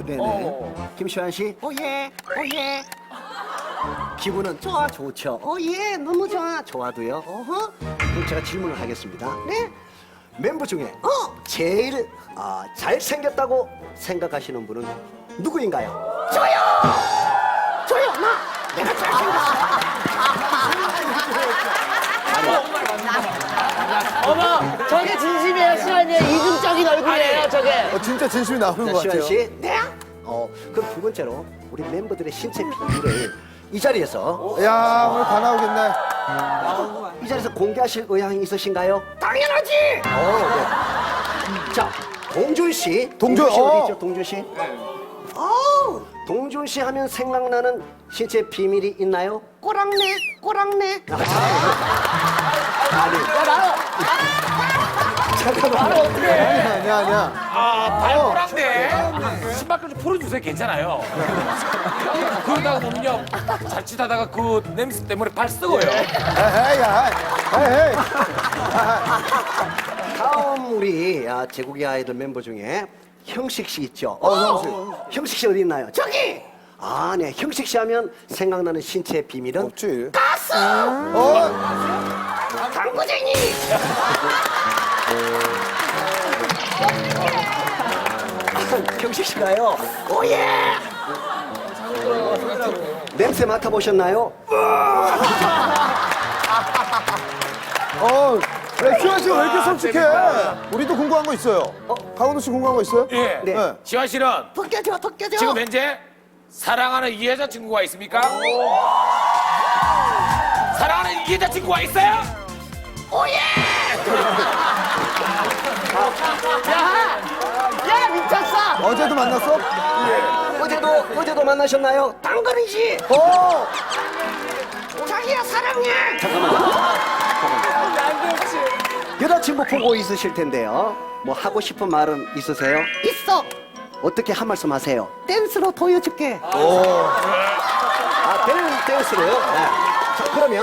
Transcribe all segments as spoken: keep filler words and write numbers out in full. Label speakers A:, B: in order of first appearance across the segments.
A: 네네.
B: 어.
A: 김시환 씨, 오예, 오예. 기분은 좋아, 좋죠. 오예, 너무 좋아, 좋아도요. 어허. 그럼 제가 질문을 하겠습니다. 네. 멤버 중에 어 제일 아, 잘생겼다고 생각하시는 분은 누구인가요? 저요. 저요, 나. 내가 잘생겼어.
C: 어머, 저게 진심이에요, 시환이에요. 이중적인 얼굴이에요, 저게.
D: 어, 진짜 진심이 나오는
A: 자,
D: 것
A: 시환
D: 같아요.
A: 씨. 네. 어, 그럼 두 번째로 우리 멤버들의 신체 비밀을 이 자리에서
D: 야, 오늘 다 나오겠네.
A: 이 자리에서 공개하실 의향이 있으신가요? 당연하지. 어, 네. 자, 동준 씨.
D: 동준,
A: 씨
D: 어.
A: 어디 있죠, 동준 씨? 어, 동준 씨 하면 생각나는 신체 비밀이 있나요? 꼬랑내, 꼬랑내. 아, 아니, 잠깐만.
D: 아니야, 아니야, 아니야.
B: 아, 발꼬랑대. 신발 좀 풀어주세요. 괜찮아요. 그러다가 보면요. 자칫하다가 그 냄새 때문에 발 썩어요.
D: 에헤이, 야, 에헤이.
A: 다음 우리 아, 제국의 아이돌 member 중에 형식 씨 있죠?
D: 어, 형식.
A: 형식 씨 어디 있나요? 저기! 아, 네. 형식 씨 하면 생각나는 신체 비밀은
D: 없지.
A: 가스!
D: 어,
A: 당구쟁이! 형식 씨가요. 오예! 냄새 맡아보셨나요?
D: 어, 야, 시환 씨가 왜 이렇게 솔직해? 우리도 궁금한 거 있어요. 어, 강원도 씨 궁금한 거 있어요?
B: 예.
A: 네.
D: 네.
B: 지환 씨는
A: 벗겨져, 벗겨져!
B: 지금 현재 사랑하는 이 여자친구가 있습니까? 사랑하는 이 여자친구가 있어요?
C: 야, 미쳤어!
D: 어제도 만났어?
A: 어제도, 어제도 만나셨나요? 당근이지!
D: 어,
A: 자기야, 사랑해! 잠깐만요. 여자친구 보고 있으실 텐데요. 뭐 하고 싶은 말은 있으세요? 있어! 어떻게 한 말씀 하세요? 댄스로 보여줄게. 오. 아, 댄, 댄스로요? 네. 자, 그러면.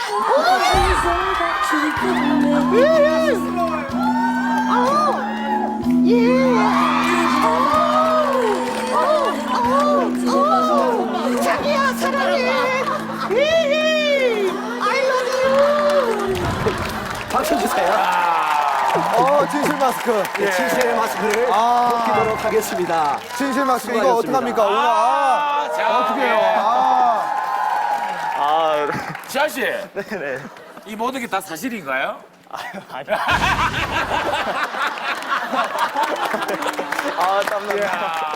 A: 자기야, 사랑해. I love you. 박수 주세요.
D: 어, 진실 마스크.
A: 네, 진실의 마스크를
D: 아.
A: 벗기도록 하겠습니다.
D: 진실 마스크. 이거
A: 수고하셨습니다.
D: 어떡합니까? 오늘, 아,
B: 아, 자,
D: 어떻게 해요?
B: 예.
D: 아.
B: 지환 씨. 네네. 이 모든 게 다 사실인가요?
E: 아, 땀나.
B: 야.